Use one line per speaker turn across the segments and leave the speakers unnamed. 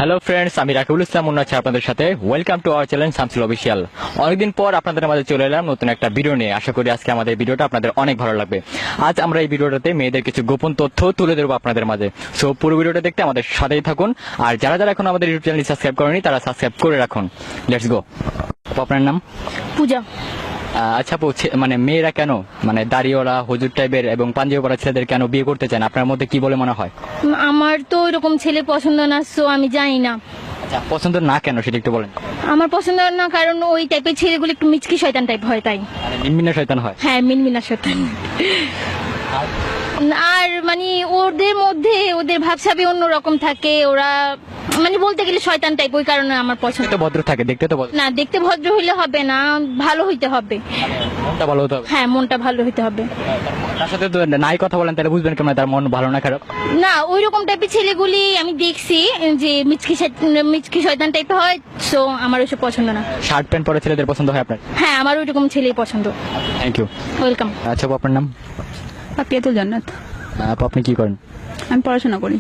Hello friends, আমি রাকিবুল ইসলাম মুন্না আছি আপনাদের সাথে। Welcome to our channel Shamsul official. অনেকদিন পর আপনাদের মাঝে চলে এলাম নতুন একটা ভিডিও নিয়ে। আশা করি আজকে আমাদের ভিডিওটা আপনাদের অনেক ভালো লাগবে। আজ আমরা এই ভিডিওটাতে মেয়েদের কিছু গোপন তথ্য তুলে ধরবো আপনাদের মাঝে। সো পুরো ভিডিওটা দেখতে আমাদের সাথেই থাকুন। আর যারা যারা এখন আমাদের ইউটিউব চ্যানেল সাবস্ক্রাইব করেনি তারা সাবস্ক্রাইব করে রাখুন। Let's go. আপনার নাম?
পূজা।
আচ্ছা আপু, মানে মেয়েরা কেন মানে দাড়িওয়ালা হুজুর টাইপের এবং পাঞ্জাবি পরা ছেলেদের কেন বিয়ে করতে চান? আপনার মধ্যে কি বলে মনে হয়?
আমার তো ওইরকম ছেলে পছন্দ না, সো আমি জানি না।
আচ্ছা, পছন্দ না কেন সেটা একটু বলেন।
আমার পছন্দ না কারণ ওই টাইপের ছেলেগুলো একটু মিচকি শয়তান টাইপ হয়, তাই।
মানে মিনমিনা শয়তান হয়।
হ্যাঁ, মিনমিনা শয়তান। আর মানে ওদের মধ্যে ওদের ভাবসাবে অন্যরকম থাকে, ওরা মানে বলতে গেলে শয়তান টাইপ, ওই কারণে আমার পছন্দ।
তো ভদ্র থাকে, দেখতে তো ভদ্র।
না, দেখতে ভদ্র হইলে হবে না, ভালো হইতে হবে।
মনটা ভালো হতে হবে।
হ্যাঁ, মনটা ভালো হইতে হবে।
তার সাথে তো নাই কথা বলেন, তাহলে বুঝবেন কেমন তার মন ভালো না খারাপ।
না, ওই রকম টাইপের ছেলেগুলি আমি দেখছি যে মিচকি শয়তান টাইপ হয়, সো আমার ওইসব পছন্দ না।
শার্ট প্যান্ট পরে ছেলেদের পছন্দ হয় আপনার?
হ্যাঁ, আমার ওই রকম ছেলেই পছন্দ।
Thank you.
ওয়েলকাম।
আচ্ছা আপু, আপনার নাম?
পাপিয়াতুল জান্নাত।
আপু, আপনি কি করেন?
আমি পড়াশোনা করি।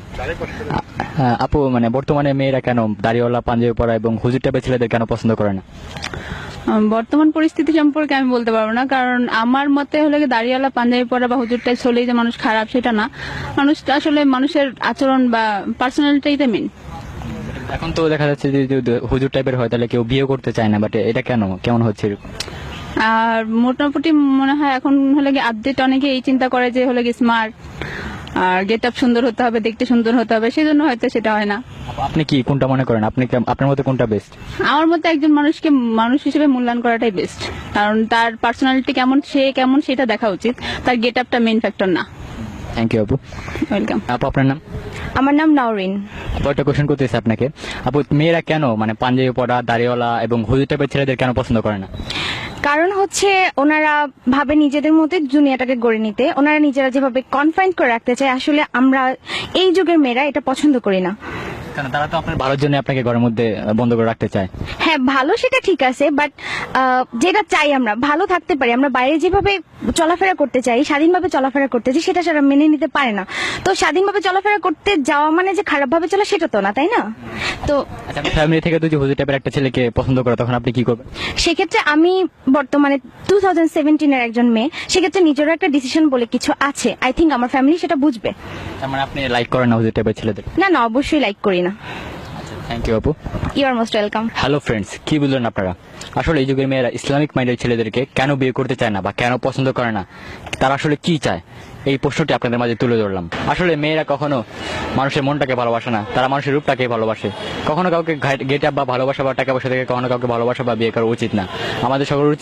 আপু, মানে বর্তমানে মেয়েরা কেন দাড়িওয়ালা পাঞ্জাবি পরা এবং হুজুর টাইপের ছেলেদের কেন পছন্দ করে না?
বর্তমান পরিস্থিতি সম্পর্কে আমি বলতে পারবো না, কারণ আমার মতে হলে কি দাড়িওয়ালা পাঞ্জাবি পরা বা হুজুর টাইপ হলেই যে মানুষ খারাপ সেটা না। মানুষটা আসলে মানুষের আচরণ বা পার্সোনালিটিতে মেন।
এখন তো দেখা যাচ্ছে যে যদি হুজুর টাইপের হয় তাহলে কেউ বিয়ে করতে চায় না, বাট এটা কেমন হচ্ছে এরকম?
আর মোটামুটি মনে হয় এখন হলে কি আপডেট অনেকে এই চিন্তা করে যে হলে কি স্মার্ট আর গেট আপ সুন্দর হতে হবে, দেখতে সুন্দর হতে হবে, সেই জন্য হয়তো সেটা হয় না।
আপনি কি কোনটা মনে করেন? আপনার মতে কোনটা বেস্ট?
আমার মতে একজন মানুষকে মানুষ হিসেবে মূল্যায়ন করাটাই বেস্ট, কারণ তার পার্সোনালিটি কেমন, সে কেমন সেটা দেখা উচিত, তার গেট আপটা মেইন ফ্যাক্টর না।
থ্যাংক ইউ আপু।
ওয়েলকাম।
আপু, আপনার নাম?
আমার নাম নাওরিন।
আপু, একটা কোশ্চেন করতেছি আপনাকে। আপু, মেয়েরা কেন মানে পাঞ্জাবি পরা দাড়িওয়ালা এবং হুজুর টাইপের ছেলেদের কেন পছন্দ করে না?
কারণ হচ্ছে ওনারা ভাবে নিজেদের মধ্যে দুনিয়াটাকে গড়ে নিতে, ওনারা নিজেরা যেভাবে কনফাইন করে রাখতে চায়, আসলে আমরা এই যুগের মেয়েরা এটা পছন্দ করি না।
কারণ তারা তো আপনার ভালোর জন্য আপনাকে ঘরের মধ্যে বন্ধ করে রাখতে চায়।
হ্যাঁ, ভালো সেটা ঠিক আছে, বাট যেটা চাই আমরা ভালো থাকতে পারি, আমরা বাইরে যেভাবে চলাফেরা করতে চাই, স্বাধীনভাবে চলাফেরা করতে চাই, সেটা সারা মেনে নিতে পারে না। তো স্বাধীনভাবে চলাফেরা করতে যাওয়া মানে যে খারাপভাবে চলা সেটা তো না, তাই না? তো
আচ্ছা, ফ্যামিলি থেকে যদি হুজুর টাইপের একটা ছেলেকে পছন্দ করে তখন আপনি কি করবেন?
সেক্ষেত্রে আমি বর্তমানে 2017 এর একজন মেয়ে, সেক্ষেত্রে নিজেরও একটা ডিসিশন বলে কিছু আছে। আই থিঙ্ক আমার ফ্যামিলি সেটা বুঝবে।
তার মানে আপনি লাইক করেন না হুজুর টাইপের ছেলেদের?
না না, অবশ্যই লাইক করি না।
থ্যাংক ইউ আপু।
You are most welcome.
Hello friends, কি বুঝলেন আপনারা? আসলে এই যুগের মেয়েরা ইসলামিক মাইন্ডের ছেলেদেরকে কেন বিয়ে করতে চায় না বা কেন পছন্দ করে না, তারা আসলে কি চায়, এই প্রশ্নটি আপনাদের মাঝে তুলে ধরলাম। আসলে মেয়েরা কখনো মানুষের মনটাকে ভালোবাসে না, তারা মানুষের রূপটাকে ভালোবাসে। কখনো কাউকে গেট আপ বা ভালোবাসা বা টাকা পয়সা থেকে কখনো কাউকে ভালোবাসা বা বিয়ে করা উচিত না। আমাদের সকল